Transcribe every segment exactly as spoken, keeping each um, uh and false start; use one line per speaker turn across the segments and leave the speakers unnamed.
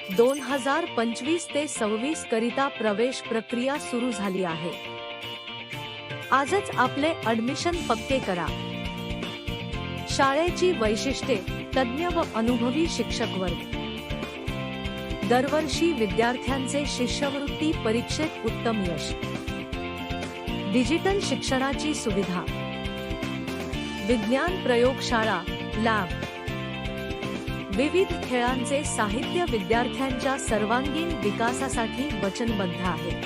दोन हजार पंचवीस ते सव्वीस करिता प्रवेश प्रक्रिया सुरू झाली आहे। आजच आपले ॲडमिशन पक्के करा। शाळेची वैशिष्ट्ये, तज्ञ व अनुभवी शिक्षक वर्ग, दरवर्षी विद्यार्थ्यांचे शिष्यवृत्ती परीक्षेत उत्तम यश, डिजिटल शिक्षणाची सुविधा, विज्ञान प्रयोगशाळा, लॅब, विविध खेळांचे साहित्य विद्यार्थ्यांच्या सर्वांगीण विकासासाठी वचनबद्ध आहे।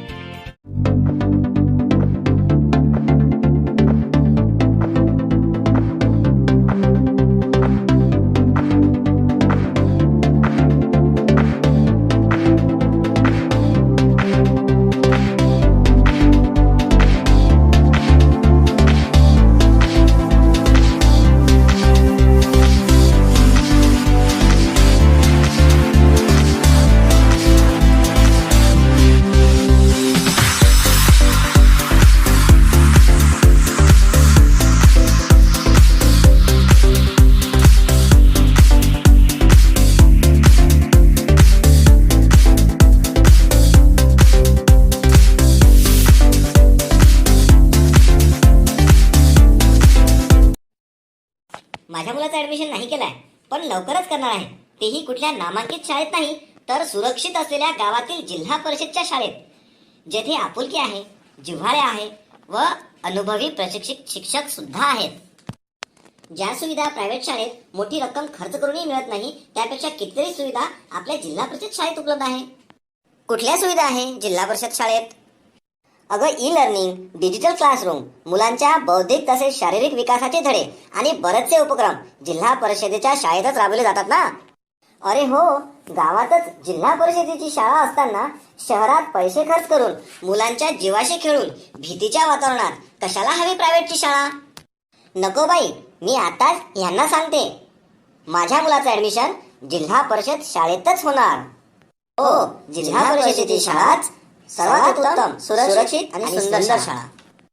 माझ्या मुलाचं ऍडमिशन नाही केलंय, पण लवकरच करणार आहे, तेही कुठल्या नामांकित शाळेत नाही तर सुरक्षित असलेल्या गावातील जिल्हा परिषदच्या शाळेत, जेथे आपुलकी आहे, जिव्हाळे आहे व अनुभवी प्रशिक्षित शिक्षक सुद्धा आहेत। ज्या सुविधा प्रायव्हेट शाळेत मोठी रक्कम खर्च करूनही मिळत नाही, त्यापेक्षा कितीतरी सुविधा आपल्या जिल्हा परिषद शाळेत उपलब्ध आहे। कुठल्या सुविधा आहे जिल्हा परिषद शाळेत? अगं, ई लर्निंग, डिजिटल क्लासरूम, मुलांच्या बौद्धिक तसेच शारीरिक विकासाचे धडे आणि बरेचसे उपक्रम जिल्हा परिषदेच्या शाळेतच राबवले जातात ना। अरे हो, गावातच जिल्हा परिषदेची शाळा असताना शहरात पैसे खर्च करून मुलांच्या जीवाशी खेळून भीतीच्या वातावरणात कशाला हवी प्रायव्हेटची शाळा? नको बाई, मी आताच यांना सांगते, माझ्या मुलाचं ऍडमिशन जिल्हा परिषद शाळेतच होणार। हो, जिल्हा परिषदेची शाळाच सर्वात उत्तम, सुरक्षित आणि सुंदर शाळा।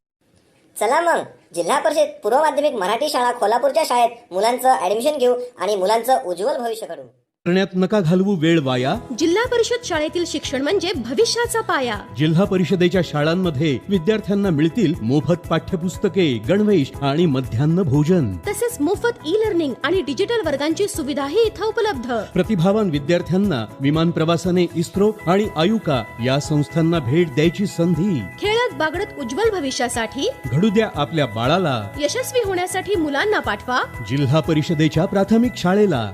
चला मग, जिल्हा परिषद पूर्व माध्यमिक मराठी शाळा कोल्हापूरच्या शाळेत मुलांचं ऍडमिशन घेऊ आणि मुलांचं उज्ज्वल भविष्य घडवू।
करण्यात नका घालवू वेळ वाया।
जिल्हा परिषद शाळेतील शिक्षण म्हणजे भविष्याचा पाया।
जिल्हा परिषदेच्या शाळांमध्ये विद्यार्थ्यांना मिळतील मोफत पाठ्यपुस्तके, गणवेश आणि मध्यान्ह भोजन,
तसेच मोफत ई लर्निंग आणि डिजिटल वर्गांची सुविधाही इथं उपलब्ध।
प्रतिभावान विद्यार्थ्यांना विमान प्रवासाने इस्रो आणि आयुका या संस्थांना भेट द्यायची संधी।
खेळत बागडत उज्ज्वल भविष्यासाठी
घडू द्या आपल्या बाळाला।
यशस्वी होण्यासाठी मुलांना पाठवा
जिल्हा परिषदेच्या प्राथमिक शाळेला।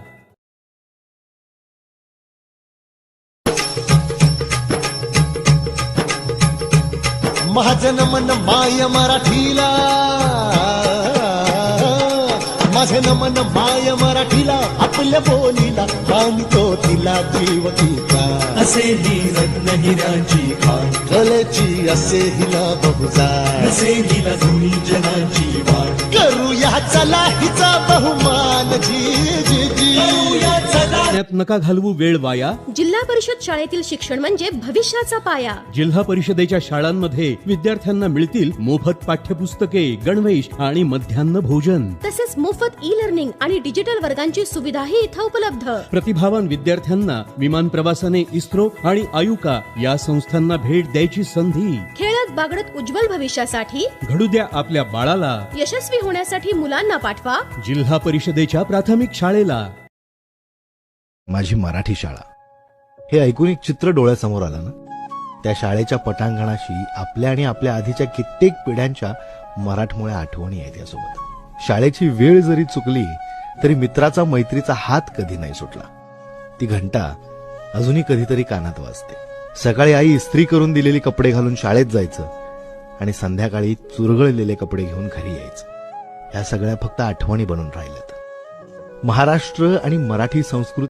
माझं नमन माय मराठीला, माझं नमन माय मराठीला, आपल्या बोलीला बांधतो तिला जीव तिचा,
असे ही रत्न हिराची खाण,
कलेची असे हिला बहुजार,
असे हिला दोन्ही जनाची वाट,
करूया चला हिचा बहुमान, जी जी जी
करण्यात नका घालवू वेळ वाया।
जिल्हा परिषद शाळेतील शिक्षण म्हणजे भविष्याचा पाया।
जिल्हा परिषदेच्या शाळांमध्ये विद्यार्थ्यांना मिळतील मोफत पाठ्यपुस्तके, गणवेश आणि मध्यान्ह भोजन,
तसेच मोफत ई लर्निंग आणि डिजिटल वर्गांची सुविधाही इथं उपलब्ध।
प्रतिभावान विद्यार्थ्यांना विमान प्रवासाने इस्रो आणि आयुका या संस्थांना भेट द्यायची संधी।
खेळत बागडत उज्ज्वल भविष्यासाठी
घडू द्या आपल्या बाळाला।
यशस्वी होण्यासाठी मुलांना पाठवा
जिल्हा परिषदेच्या प्राथमिक शाळेला।
माझी मराठी शाळा हे ऐकून एक चित्र डोळ्यासमोर आलं ना। त्या शाळेच्या पटांगणाशी आपल्या आणि आपल्या आधीच्या कित्येक पिढ्यांच्या मराठमोळ्या आठवणी आहेत यासोबत। शाळेची वेळ जरी चुकली तरी मित्राचा मैत्रीचा हात कधी नाही सुटला। ती घंटा अजूनही कधीतरी कानात वाजते। सकाळी आई इस्त्री करून दिलेली कपडे घालून शाळेत जायचं आणि संध्याकाळी चुरगळलेले कपडे घेऊन घरी यायचं। ह्या सगळ्या फक्त आठवणी बनून राहिल्यात। महाराष्ट्र आणि मराठी संस्कृती